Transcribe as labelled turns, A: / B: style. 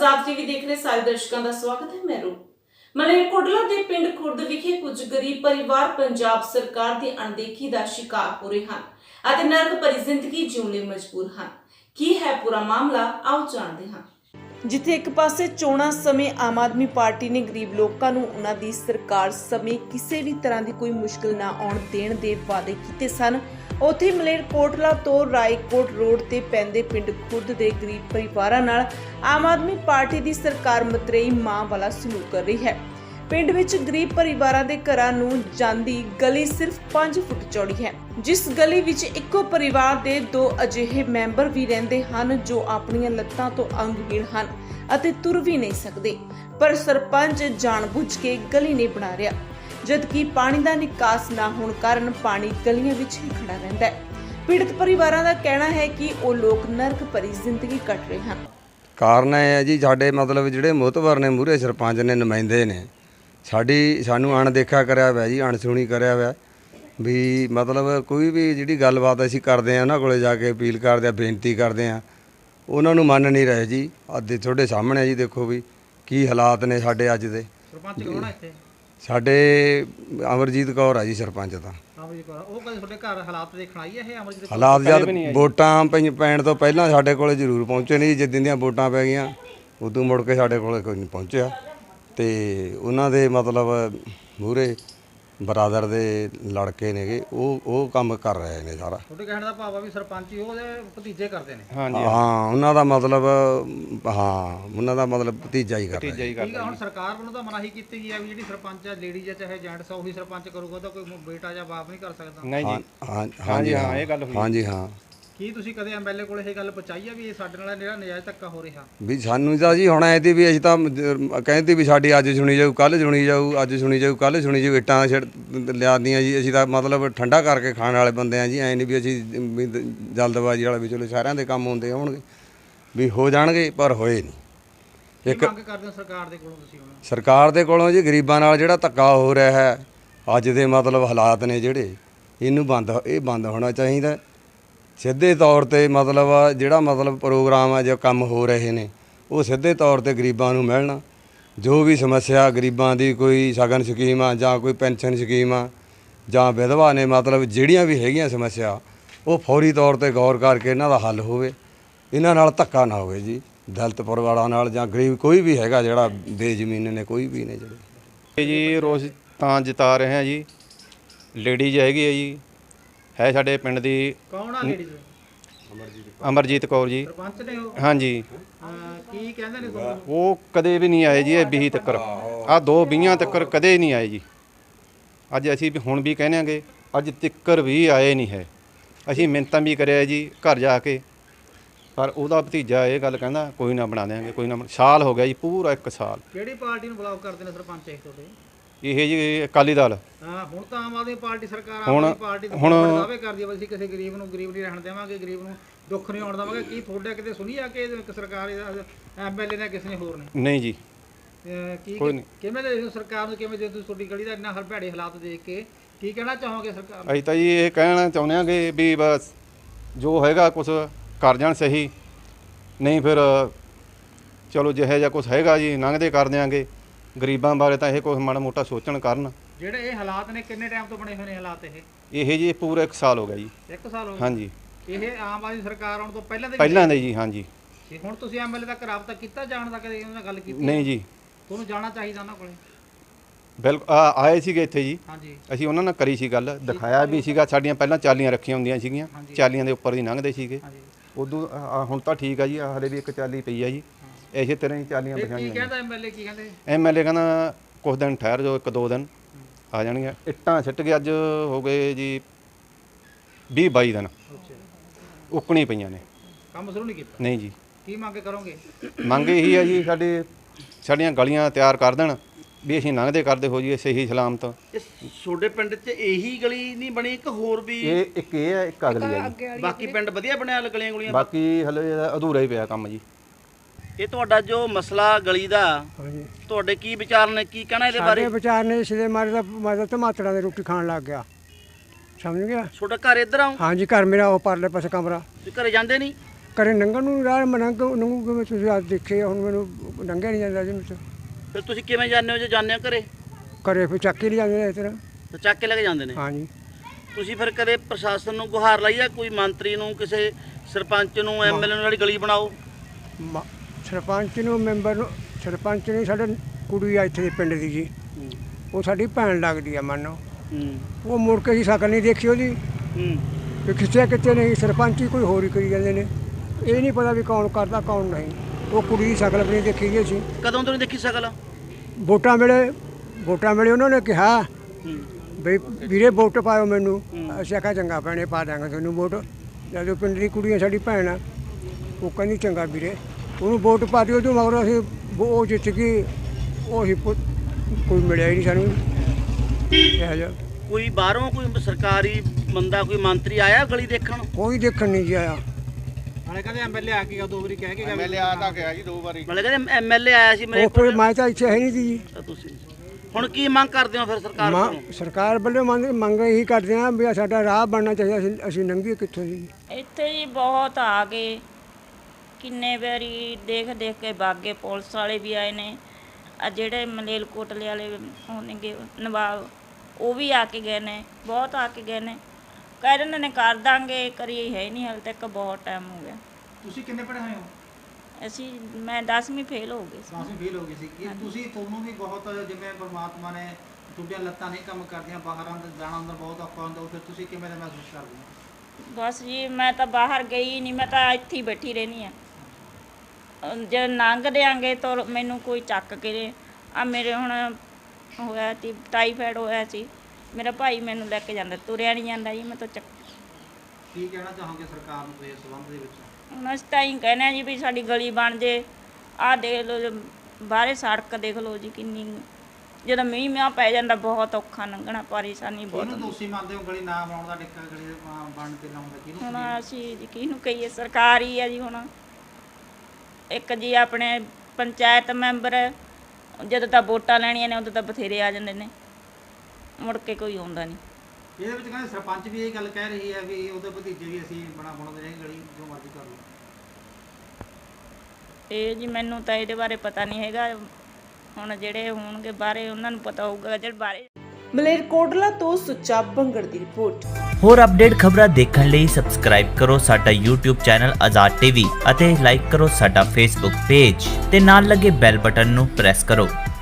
A: आजाद TV देखने सारे दर्शकों का स्वागत है। मैं रूप मलेरकोटला के पिंड खुर्द विखे कुछ गरीब परिवार पंजाब सरकार की अणदेखी का शिकार हो रहे हैं, नरक भरी जिंदगी जीउण लई मजबूर हैं। की है पूरा मामला, आओ जानते हैं। जिथे एक पासे चोणां समय आम आदमी पार्टी ने गरीब लोगों को उन्हां दी सरकार समय किसी भी तरह की कोई मुश्किल ना आउण देण दे वादे कीते सन, उत्थे मलेरकोटला तो रायकोट रोड ते पैंदे पिंड खुर्द दे गरीब परिवारां नाल आम आदमी पार्टी दी सरकार मतरेई मां वाला सलूक कर रही है। पिंड विच गरीब परिवारां दे घरां नूं जांदी गली सिर्फ 5 फुट चौड़ी है, जिस गली विच इक्को परिवार दे 2 अजिहे मैंबर भी रहिंदे हन जो अपणियां लत्तां तो अंगहीन हन अते तुर भी नहीं सकदे, पर सरपंच जानबुझ के गली नहीं बना रहा, जबकि पानी का निकास ना होने कारण पानी गलियां विच ही खड़ा रहता है। पीड़ित परिवारां दा कहना है कि वो लोग नरक भरी जिंदगी कट रहे हैं।
B: कारण है जी साडे मतलब जिहड़े मोहतबर ने मूहरे सरपंच ने नुमाइंदे ने सानू अणदेखा करिया होया जी, अणसुणी करिया होया भी मतलब कोई भी जिहड़ी गलबात असीं करदे आ उन्हां कोले जाके अपील करदे आ, बेनती करदे आ, उन्हां नूं मंन नहीं रहे जी। अज तुहाडे सामणे जी देखो भी की हालात ने साडे अज दे।
C: सरपंच कौन है इत्थे?
B: साडे अमरजीत कौर आ जी सरपंच तां।
C: अमरजीत कौर ਉਹ ਕਦੇ ਤੁਹਾਡੇ ਘਰ ਹਾਲਾਤ ਦੇਖਣ ਆਈ ਹੈ ਇਹ ਅਮਰਜੀਤ ਕੌਰ?
B: ਹਾਲਾਤ ਜਦ ਵੋਟਾਂ ਪੈਣ ਤੋਂ ਪਹਿਲਾਂ ਸਾਡੇ ਕੋਲੇ ਜ਼ਰੂਰ ਪਹੁੰਚੇ ਨਹੀਂ, ਜਿੱਦਾਂ ਦੀਆਂ ਵੋਟਾਂ ਪੈ ਗਈਆਂ ਉਦੋਂ ਮੁੜ ਕੇ ਸਾਡੇ ਕੋਲੇ ਕੋਈ ਨਹੀਂ ਪਹੁੰਚਿਆ ਤੇ ਉਹਨਾਂ ਦੇ ਮਤਲਬ ਮੂਹਰੇ ਬਰਾਦਰ ਦੇ ਲੜਕੇ ਨੇਗੇ ਉਹ ਕੰਮ ਕਰ ਰਹੇ ਨੇ ਸਾਰਾ।
C: ਤੁਹਾਡੇ ਕਹਿਣ ਦਾ ਭਾਵ ਆ ਵੀ ਸਰਪੰਚ ਹੀ ਉਹਦੇ ਭਤੀਜੇ ਕਰਦੇ ਨੇ?
B: ਹਾਂ ਉਹਨਾਂ ਦਾ ਮਤਲਬ ਉਹਨਾਂ ਦਾ ਮਤਲਬ ਭਤੀਜਾ ਹੀ ਕਰ ਰਹੇ।
C: ਠੀਕ ਆ, ਹੁਣ ਸਰਕਾਰ ਵੱਲੋਂ ਤਾਂ ਮਨਾਹੀ ਕੀਤੀ ਗਈ ਆ ਵੀ ਜਿਹੜੀ ਸਰਪੰਚ ਆ ਲੇਡੀਜ਼ ਆ ਚਾਹੇ ਜੈਂਟਸ ਆ ਉਹੀ ਸਰਪੰਚ ਕਰੂਗਾ, ਤਾਂ ਕੋਈ ਬੇਟਾ ਜਾਂ ਬਾਪ ਨਹੀਂ ਕਰ ਸਕਦਾ?
D: ਨਹੀਂ ਜੀ,
B: ਹਾਂਜੀ ਹਾਂ ਇਹ ਗੱਲ ਹੋਈ। ਹਾਂਜੀ ਹਾਂ।
C: ਕੀ ਤੁਸੀਂ ਕਦੇ ਐਮਐਲਏ ਕੋਲ ਇਹ ਗੱਲ ਪਹੁੰਚਾਈ ਆ ਵੀ ਇਹ ਸਾਡੇ ਨਾਲ ਜਿਹੜਾ ਨਜਾਇਜ਼ ਧੱਕਾ ਹੋ ਰਿਹਾ?
B: ਵੀ ਸਾਨੂੰ ਤਾਂ ਜੀ ਹੁਣ ਐ ਤੀ ਵੀ ਅਸੀਂ ਤਾਂ ਕਹਿੰਦੇ ਵੀ ਸਾਡੀ ਅੱਜ ਸੁਣੀ ਜਾਊ, ਕੱਲ੍ਹ ਸੁਣੀ ਜਾਊ, ਅੱਜ ਸੁਣੀ ਜਾਊ, ਕੱਲ੍ਹ ਸੁਣੀ ਜਾਊ, ਇੱਟਾਂ ਲਿਆਦੀਆਂ ਜੀ। ਅਸੀਂ ਤਾਂ ਮਤਲਬ ਠੰਡਾ ਕਰਕੇ ਖਾਣ ਵਾਲੇ ਬੰਦੇ ਆ ਜੀ, ਐ ਨਹੀਂ ਵੀ ਅਸੀਂ ਵੀ ਜਲਦਬਾਜ਼ੀ ਵਾਲਾ ਵੀ ਚਲੋ ਸਾਰਿਆਂ ਦੇ ਕੰਮ ਹੁੰਦੇ ਹੋਣਗੇ ਵੀ ਹੋ ਜਾਣਗੇ, ਪਰ ਹੋਏ ਨਹੀਂ।
C: ਇੱਕ ਮੰਗ ਕਰਦੇ ਹੋ ਸਰਕਾਰ ਦੇ ਕੋਲੋਂ ਤੁਸੀਂ? ਹੁਣ
B: ਸਰਕਾਰ ਦੇ ਕੋਲੋਂ ਜੀ ਗਰੀਬਾਂ ਨਾਲ ਜਿਹੜਾ ਧੱਕਾ ਹੋ ਰਿਹਾ ਹੈ ਅੱਜ ਦੇ ਮਤਲਬ ਹਾਲਾਤ ਨੇ ਜਿਹੜੇ, ਇਹਨੂੰ ਬੰਦ ਹੋਣਾ ਚਾਹੀਦਾ ਸਿੱਧੇ ਤੌਰ ਤੇ। ਮਤਲਬ ਜਿਹੜਾ ਮਤਲਬ ਪ੍ਰੋਗਰਾਮ ਆ ਜੋ ਕੰਮ ਹੋ ਰਹੇ ਨੇ ਉਹ ਸਿੱਧੇ ਤੌਰ ਤੇ ਗਰੀਬਾਂ ਨੂੰ ਮਿਲਣ। ਜੋ ਵੀ ਸਮੱਸਿਆ ਗਰੀਬਾਂ ਦੀ ਕੋਈ ਸ਼ਗਨ ਸਕੀਮ ਆ ਜਾਂ ਕੋਈ ਪੈਨਸ਼ਨ ਸਕੀਮ ਆ ਜਾਂ ਵਿਧਵਾ ਨੇ ਮਤਲਬ ਜਿਹੜੀਆਂ ਵੀ ਹੈਗੀਆਂ ਸਮੱਸਿਆ ਉਹ ਫੌਰੀ ਤੌਰ ਤੇ ਗੌਰ ਕਰਕੇ ਇਹਨਾਂ ਦਾ ਹੱਲ ਹੋਵੇ, ਇਹਨਾਂ ਨਾਲ ਧੱਕਾ ਨਾ ਹੋਵੇ ਜੀ ਦਲਿਤ ਪਰਿਵਾਰਾਂ ਨਾਲ ਜਾਂ ਗਰੀਬ ਕੋਈ ਵੀ ਹੈਗਾ ਜਿਹੜਾ ਬੇਜ਼ਮੀਨ ਨੇ ਕੋਈ ਵੀ ਨੇ ਜਿਹੜੇ
D: ਜੀ। ਰੋਜ਼ ਤਾਂ ਜਿਤਾ ਰਹੇ ਹਾਂ ਜੀ। ਲੇਡੀਜ਼ ਹੈਗੀ ਹੈ ਜੀ, ਹੈ ਸਾਡੇ ਪਿੰਡ ਦੀ।
C: ਕੌਣ ਆ ਲੇਡੀਜ਼?
D: ਅਮਰਜੀਤ ਕੌਰ ਜੀ
C: ਸਰਪੰਚ ਨੇ ਉਹ?
D: ਹਾਂਜੀ।
C: ਕੀ ਕਹਿੰਦੇ ਨੇ ਤੁਹਾਨੂੰ?
D: ਉਹ ਕਦੇ ਵੀ ਨਹੀਂ ਆਏ ਜੀ, ਇਹ 20 ਤੱਕ ਆ 2 20 ਤੱਕ ਕਦੇ ਨਹੀਂ ਆਏ ਜੀ। ਅੱਜ ਅਸੀਂ ਵੀ ਹੁਣ ਵੀ ਕਹਿੰਦੇ ਅੱਜ ਤੱਕ ਵੀ ਆਏ ਨਹੀਂ ਹੈ। ਅਸੀਂ ਮਿੰਨਤਾਂ ਵੀ ਕਰਿਆ ਜੀ ਘਰ ਜਾ ਕੇ, ਪਰ ਉਹਦਾ ਭਤੀਜਾ ਇਹ ਗੱਲ ਕਹਿੰਦਾ ਕੋਈ ਨਾ ਬਣਾ ਦੇਵਾਂਗੇ, ਕੋਈ ਨਾ। ਸਾਲ ਹੋ ਗਿਆ ਜੀ, ਪੂਰਾ 1 ਸਾਲ।
C: ਕਿਹੜੀ ਪਾਰਟੀ ਨੂੰ ਬਲੌਕ ਕਰਦੇ ਨੇ ਸਰਪੰਚ ਇਹ ਤੁਹਾਡੇ?
D: ਇਹ ਜੀ ਅਕਾਲੀ ਦਲ।
C: ਹੁਣ ਤਾਂ ਆਮ ਆਦਮੀ ਪਾਰਟੀ ਸਰਕਾਰ
D: ਹੁਣ
C: ਦਾਅਵੇ ਕਰਦੀ ਹੈ ਵੀ ਅਸੀਂ ਕਿਸੇ ਗਰੀਬ ਨੂੰ ਗਰੀਬ ਨਹੀਂ ਰਹਿਣ ਦੇਵਾਂਗੇ, ਗਰੀਬ ਨੂੰ ਦੁੱਖ ਨਹੀਂ ਆਉਣ ਦੇਵਾਂਗੇ। ਕੀ ਤੁਹਾਡੇ ਕਿਤੇ ਸੁਣੀ ਆ ਕਿ ਇੱਕ ਸਰਕਾਰ ਐਮਐਲਏ ਨੇ ਕਿਸੇ ਨੇ ਹੋਰ ਨੇ?
D: ਨਹੀਂ ਜੀ,
C: ਕੋਈ ਨਹੀਂ। ਕਿਵੇਂ ਦੇ ਸਰਕਾਰ ਨੂੰ ਕਿਵੇਂ ਦੇ ਤੁਸੀਂ ਤੁਹਾਡੀ ਗਲੀ ਦਾ ਇੰਨਾ ਭੈੜੇ ਹਾਲਾਤ ਦੇਖ ਕੇ ਕੀ ਕਹਿਣਾ ਚਾਹੋਗੇ ਸਰਕਾਰ ਨੂੰ?
D: ਅਸੀਂ ਤਾਂ ਜੀ ਇਹ ਕਹਿਣਾ ਚਾਹੁੰਦੇ ਹਾਂਗੇ ਵੀ ਬਸ ਜੋ ਹੈਗਾ ਕੁਛ ਕਰ ਜਾਣ ਸਹੀ, ਨਹੀਂ ਫਿਰ ਚਲੋ ਜਿਹੋ ਜਿਹਾ ਕੁਛ ਹੈਗਾ ਜੀ ਲੰਘਦੇ ਕਰ ਦਿਆਂਗੇ। ਗਰੀਬਾਂ ਬਾਰੇ ਤਾਂ ਇਹ ਕੁਛ ਮਾੜਾ ਮੋਟਾ ਸੋਚਣ ਕਰਨ। ਜਿਹੜੇ
C: ਇਹ ਹਾਲਾਤ ਨੇ ਕਿੰਨੇ ਟਾਈਮ ਤੋਂ ਬਣੇ ਹੋਏ ਨੇ ਹਾਲਾਤ?
D: ਇਹ ਜੀ ਪੂਰਾ 1 ਸਾਲ ਹੋ ਗਿਆ ਜੀ।
C: 1 ਸਾਲ ਹੋ ਗਿਆ?
D: ਹਾਂਜੀ।
C: ਇਹ ਆਮ ਆਦਮੀ ਸਰਕਾਰ ਆਉਣ ਤੋਂ
D: ਪਹਿਲਾਂ ਦੇ ਜੀ। ਹਾਂਜੀ।
C: ਹੁਣ ਤੁਸੀਂ ਐਮਐਲਏ ਤੱਕ ਰਾਬਤਾ ਕੀਤਾ, ਜਾਣ ਦਾ ਕਦੇ ਉਹਨਾਂ ਨਾਲ ਗੱਲ ਕੀਤੀ?
D: ਨਹੀਂ ਜੀ।
C: ਤੁਹਾਨੂੰ ਜਾਣਾ ਚਾਹੀਦਾ ਉਹਨਾਂ ਕੋਲੇ।
D: ਬਿਲਕੁਲ ਆਏ ਸੀਗੇ ਇੱਥੇ ਜੀ।
C: ਹਾਂਜੀ।
D: ਅਸੀਂ ਉਹਨਾਂ ਨਾਲ ਕਰੀ ਸੀ ਗੱਲ, ਦਿਖਾਇਆ ਵੀ ਸੀਗਾ। ਸਾਡੀਆਂ ਪਹਿਲਾਂ ਚਾਲੀਆਂ ਰੱਖੀਆਂ ਹੁੰਦੀਆਂ ਸੀਗੀਆਂ, ਚਾਲੀਆਂ ਦੇ ਉੱਪਰ ਦੀ ਲੰਘਦੇ ਸੀਗੇ। ਉਦੋਂ ਹੁਣ ਤਾਂ ਠੀਕ ਆ ਜੀ, ਹਲੇ ਵੀ 1 ਚਾਲੀ ਪਈ ਆ ਜੀ। ਇਸੇ ਤਰ੍ਹਾਂ ਹੀ ਚਾਲੀਆਂ ਬਿਠਾਈਆਂ।
C: ਕੀ ਕਹਿੰਦਾ ਐਮਐਲਏ? ਕੀ ਕਹਿੰਦੇ?
D: ਐਮਐਲਏ ਕਹਿੰਦਾ ਕੁਝ ਦਿਨ ਠਹਿਰ ਜਾਓ, 1-2 ਦਿਨ ਆ ਜਾਣਗੇ। ਇੱਟਾਂ ਸਿੱਟ ਕੇ ਅੱਜ ਹੋ ਗਏ ਜੀ 20-22 ਦਿਨ ਉੱਕਣੀ ਪਈਆਂ ਨੇ।
C: ਕੰਮ ਸ਼ੁਰੂ ਨਹੀਂ ਕੀਤਾ?
D: ਨਹੀਂ ਜੀ।
C: ਕੀ ਮੰਗ ਕਰੋਗੇ?
D: ਮੰਗ ਇਹੀ ਆ ਜੀ ਸਾਡੀਆਂ ਗਲੀਆਂ ਤਿਆਰ ਕਰ ਦੇਣ ਵੀ ਅਸੀਂ ਲੰਘਦੇ ਕਰਦੇ ਹੋ ਜੀ ਸਹੀ ਸਲਾਮਤ।
E: ਤੁਹਾਡੇ ਪਿੰਡ 'ਚ ਇਹੀ ਗਲੀ ਨਹੀਂ ਬਣੀ, ਇੱਕ ਹੋਰ ਵੀ?
D: ਇੱਕ ਇਹ ਹੈ, ਇੱਕ ਅਗਲੀ ਹੈ ਜੀ।
E: ਬਾਕੀ ਪਿੰਡ ਵਧੀਆ ਬਣਿਆ ਗਲੀਆਂ ਗੁਲੀਆਂ?
D: ਬਾਕੀ ਹਲੇ ਅਧੂਰਾ ਹੀ ਪਿਆ ਕੰਮ ਜੀ।
E: ਇਹ ਤੁਹਾਡਾ ਜੋ ਮਸਲਾ ਗਲੀ ਦਾ, ਤੁਹਾਡੇ ਕੀ ਵਿਚਾਰ ਨੇ, ਕੀ ਕਹਿਣਾ ਇਹਦੇ ਬਾਰੇ?
F: ਸਾਡੇ ਵਿਚਾਰ ਨੇ ਇਸ ਦੇ ਮਾਰੇ ਦਾ ਮਤਲਬ ਟਮਾਟਰਾਂ ਦੀ ਰੋਟੀ ਖਾਣ ਲੱਗ ਗਿਆ, ਸਮਝ ਗਿਆ?
E: ਤੁਹਾਡਾ ਘਰ ਇੱਧਰ ਆਉਂ?
F: ਹਾਂਜੀ, ਘਰ ਮੇਰਾ ਉਹ ਪਰਲੇ ਪਾਸੇ ਕਮਰਾ।
E: ਤੁਸੀਂ ਘਰੇ ਜਾਂਦੇ ਨਹੀਂ?
F: ਕਰੇ ਨੰਗਣ ਨੂੰ ਰਾਹ ਮੈਂ ਨੰਗੂ ਕਿਵੇਂ ਤੁਸੀਂ ਅੱਜ ਦੇਖੇ ਹੁਣ ਮੈਨੂੰ ਨੰਗਿਆ ਨਹੀਂ ਜਾਂਦਾ ਜੀ ਮੇਰੇ
E: ਫਿਰ ਤੁਸੀਂ ਕਿਵੇਂ ਜਾਂਦੇ ਹੋ ਜੇ ਜਾਂਦੇ ਹੋ ਘਰੇ
F: ਕਰੇ ਫਿਰ ਚੱਕ ਕੇ ਨਹੀਂ ਜਾਂਦੇ ਨੇ ਇਸ ਤਰ੍ਹਾਂ
E: ਤਾਂ ਚੱਕ ਕੇ ਲੈ ਕੇ ਜਾਂਦੇ ਨੇ
F: ਹਾਂਜੀ
E: ਤੁਸੀਂ ਫਿਰ ਕਦੇ ਪ੍ਰਸ਼ਾਸਨ ਨੂੰ ਗੁਹਾਰ ਲਾਈ ਆ ਕੋਈ ਮੰਤਰੀ ਨੂੰ ਕਿਸੇ ਸਰਪੰਚ ਨੂੰ ਐਮਐਲਏ ਨੂੰ ਜਿਹੜੀ ਗਲੀ ਬਣਾਓ
F: ਸਰਪੰਚ ਨੂੰ ਮੈਂਬਰ ਨੂੰ ਸਰਪੰਚ ਨੇ ਸਾਡੇ ਕੁੜੀ ਆ ਇੱਥੇ ਦੇ ਪਿੰਡ ਦੀ ਜੀ ਉਹ ਸਾਡੀ ਭੈਣ ਲੱਗਦੀ ਆ ਮੰਨੋ ਉਹ ਮੁੜ ਕੇ ਹੀ ਸ਼ਕਲ ਨਹੀਂ ਦੇਖੀ ਉਹਦੀ ਵੀ ਖਿੱਚਿਆ ਕਿਤੇ ਨਹੀਂ ਸਰਪੰਚ ਹੀ ਕੋਈ ਹੋਰ ਹੀ ਕਰੀ ਜਾਂਦੇ ਨੇ ਇਹ ਨਹੀਂ ਪਤਾ ਵੀ ਕੌਣ ਕਰਦਾ ਕੌਣ ਨਹੀਂ ਉਹ ਕੁੜੀ ਦੀ ਸ਼ਕਲ ਵੀ ਨਹੀਂ ਦੇਖੀ ਗਈ ਸੀ
E: ਕਦੋਂ ਤੋਂ ਨਹੀਂ ਦੇਖੀ ਸਕਲ
F: ਵੋਟਾਂ ਵੇਲੇ ਉਹਨਾਂ ਨੇ ਕਿਹਾ ਵੀ ਵੀਰੇ ਵੋਟ ਪਾਓ ਮੈਨੂੰ ਅਸੀਂ ਆਖਿਆ ਚੰਗਾ ਭੈਣੇ ਪਾ ਦਾਂਗੇ ਤੁਹਾਨੂੰ ਵੋਟ ਜਦੋਂ ਪਿੰਡ ਦੀ ਕੁੜੀ ਆ ਸਾਡੀ ਭੈਣ ਆ ਉਹ ਕਹਿੰਦੀ ਚੰਗਾ ਵੀਰੇ ਉਹਨੂੰ ਵੋਟ ਪਾ ਦਿਓ ਤੂੰ ਮਗਰ ਅਸੀਂ ਉਹ ਜਿੱਤ ਗਈ ਉਹੀ ਕੋਈ ਮਿਲਿਆ ਹੀ ਨਹੀਂ ਸਾਨੂੰ ਇਹੋ ਜਿਹਾ
E: ਕੋਈ ਬਾਹਰੋਂ ਕੋਈ ਸਰਕਾਰੀ ਬੰਦਾ ਕੋਈ ਮੰਤਰੀ ਆਇਆ ਗਲੀ ਦੇਖਣ
F: ਕੋਈ ਦੇਖਣ ਨਹੀਂ ਜੀ ਆਇਆ
C: ਨਾਲੇ ਕਹਿੰਦੇ ਐਮਐਲਏ ਆ ਕੇ ਗਿਆ 2 ਵਾਰੀ ਕਹਿ ਕੇ ਗਿਆ
D: ਐਮਐਲਏ ਆ ਤਾਂ ਗਿਆ ਜੀ 2 ਵਾਰੀ
E: ਮਤਲਬ ਕਹਿੰਦੇ ਐਮਐਲਏ ਆਇਆ ਸੀ ਮੇਰੇ
F: ਉਹ ਫਿਰ ਮੈਂ ਤਾਂ ਇੱਥੇ ਹੈ ਨਹੀਂ ਸੀ ਜੀ
E: ਤਾਂ ਤੁਸੀਂ ਹੁਣ ਕੀ ਮੰਗ ਕਰਦੇ ਹੋ ਫਿਰ ਸਰਕਾਰ ਕੋਲੋਂ
F: ਸਰਕਾਰ ਵੱਲੋਂ ਮੰਗ ਇਹੀ ਕਰਦੇ ਹਾਂ ਵੀ ਸਾਡਾ ਰਾਹ ਬਣਨਾ ਚਾਹੀਦਾ ਅਸੀਂ ਨੰਗੀ ਕਿੱਥੋਂ ਜੀ
G: ਇੱਥੇ ਜੀ ਬਹੁਤ ਆ ਗਏ ਕਿੰਨੇ ਵਾਰੀ ਦੇਖ ਕੇ ਬਾਗੇ ਪੁਲਿਸ ਵਾਲੇ ਵੀ ਆਏ ਨੇ ਆ ਜਿਹੜੇ ਮਲੇਲਕੋਟਲੇ ਵਾਲੇ ਹੋਣਗੇ ਨਵਾਬ ਉਹ ਵੀ ਆ ਕੇ ਗਏ ਨੇ ਬਹੁਤ ਆ ਕੇ ਗਏ ਨੇ ਕਹਿ ਰਹੇ ਨੇ ਕਰ ਦਾਂਗੇ ਕਰੀ ਹੈ ਨਹੀਂ ਹਾਲੇ ਤੱਕ ਬਹੁਤ ਟਾਈਮ ਹੋ ਗਿਆ
C: ਤੁਸੀਂ ਕਿੰਨੇ ਪੜ੍ਹੇ ਹੋਏ ਹੋ
G: ਮੈਂ 10ਵੀਂ ਫੇਲ ਹੋ ਗਈ ਸੀ
C: 10ਵੀਂ ਫੇਲ ਹੋ ਗਈ ਸੀ ਕਿ ਤੁਸੀਂ ਤੁਹਾਨੂੰ ਵੀ ਬਹੁਤ ਜਿਵੇਂ ਪਰਮਾਤਮਾ ਨੇ ਤੁਹਾਡੀਆਂ ਲੱਤਾਂ ਨਹੀਂ ਕੰਮ ਕਰਦੀਆਂ ਬਾਹਰ ਅੰਦਰ ਜਾਣਾ ਅੰਦਰ ਬਹੁਤ ਔਖਾ ਹੁੰਦਾ ਫਿਰ ਤੁਸੀਂ ਕਿਵੇਂ ਦਾ ਮਹਿਸੂਸ ਕਰਦੇ ਹੋ
G: ਬਸ ਜੀ ਮੈਂ ਤਾਂ ਬਾਹਰ ਗਈ ਨਹੀਂ ਮੈਂ ਤਾਂ ਇੱਥੇ ਹੀ ਬੈਠੀ ਰਹਿੰਦੀ ਆ ਜੇ ਲੰਘ ਦਿਆਂਗੇ ਤਾਂ ਮੈਨੂੰ ਕੋਈ ਚੱਕ ਕੇ ਆ ਮੇਰੇ ਹੁਣ ਹੋਇਆ ਸੀ ਟਾਈਫਾਇਡ ਹੋਇਆ ਸੀ ਮੇਰਾ ਭਾਈ ਮੈਨੂੰ ਲੈ ਕੇ ਜਾਂਦਾ ਤੁਰਿਆ ਨਹੀਂ ਜਾਂਦਾ ਜੀ ਮੈਂ ਤਾਂ ਚੱਕ
C: ਕੀ ਕਹਿਣਾ ਚਾਹੋਗੇ ਸਰਕਾਰ ਨੂੰ ਇਸ ਸੰਬੰਧ ਦੇ ਵਿੱਚ
G: ਹੁਣ ਅਸੀਂ ਤਾਂ ਹੀ ਕਹਿੰਦੇ ਹਾਂ ਜੀ ਵੀ ਸਾਡੀ ਗਲੀ ਬਣ ਜੇ ਆਹ ਦੇਖ ਲਓ ਬਾਹਰੇ ਸੜਕ ਦੇਖ ਲਓ ਜੀ ਕਿੰਨੀ ਜਦੋਂ ਮੀਂਹ ਪੈ ਜਾਂਦਾ ਬਹੁਤ ਔਖਾ ਲੰਘਣਾ ਪਰੇਸ਼ਾਨੀ ਬਹੁਤ
C: ਇਹਨੂੰ ਦੋਸ਼ੀ ਮੰਨਦੇ ਹੋ ਗਲੀ ਨਾ ਬਣਾਉਣ ਦਾ ਡਿੱਕਾ ਗਲੀ ਦੇ ਬਣਨ ਤੇ ਲਾਉਣ ਦਾ ਕਿਹਨੂੰ
G: ਹੁਣ ਅਸੀਂ ਜੀ ਕਿਹਨੂੰ ਕਹੀਏ ਸਰਕਾਰ ਹੀ ਆ ਜੀ ਹੁਣ ਇੱਕ ਜੀ ਆਪਣੇ ਪੰਚਾਇਤ ਮੈਂਬਰ ਜਦੋਂ ਤਾਂ ਵੋਟਾਂ ਲੈਣੀਆਂ ਨੇ ਉਦੋਂ ਤਾਂ ਬਥੇਰੇ ਆ ਜਾਂਦੇ ਨੇ ਮੁੜ ਕੇ ਕੋਈ ਆਉਂਦਾ ਨਹੀਂ
C: ਇਹਦੇ ਵਿੱਚ ਕਹਿੰਦੇ ਸਰਪੰਚ ਵੀ ਇਹ ਗੱਲ ਕਹਿ ਰਹੀ ਹੈ ਵੀ ਉਹਦੇ ਭਤੀਜੇ ਵੀ ਅਸੀਂ ਬਣਾਉਂਦੇ ਰਹੇ ਗਲੀ ਜੋ ਮਰਜ਼ੀ ਕਰ ਲਓ
G: ਇਹ ਜੀ ਮੈਨੂੰ ਤਾਂ ਇਹਦੇ ਬਾਰੇ ਪਤਾ ਨਹੀਂ ਹੈਗਾ ਹੁਣ ਜਿਹੜੇ ਹੋਣਗੇ ਬਾਹਰੇ ਉਹਨਾਂ ਨੂੰ ਪਤਾ ਹੋਊਗਾ ਜਿਹੜੇ ਬਾਹਰੇ
A: ਮਲੇਰਕੋਟਲਾ ਤੋਂ ਸੁੱਚਾ ਬੰਗੜ ਦੀ ਰਿਪੋਰਟ।
H: ਹੋਰ ਅਪਡੇਟ ਖਬਰਾਂ ਦੇਖਣ ਲਈ ਸਬਸਕ੍ਰਾਈਬ ਕਰੋ ਸਾਡਾ YouTube ਚੈਨਲ ਆਜ਼ਾਦ ਟੀਵੀ ਅਤੇ ਲਾਈਕ ਕਰੋ ਸਾਡਾ Facebook ਪੇਜ ਤੇ ਨਾਲ ਲੱਗੇ ਬੈਲ ਬਟਨ ਨੂੰ ਪ੍ਰੈਸ ਕਰੋ।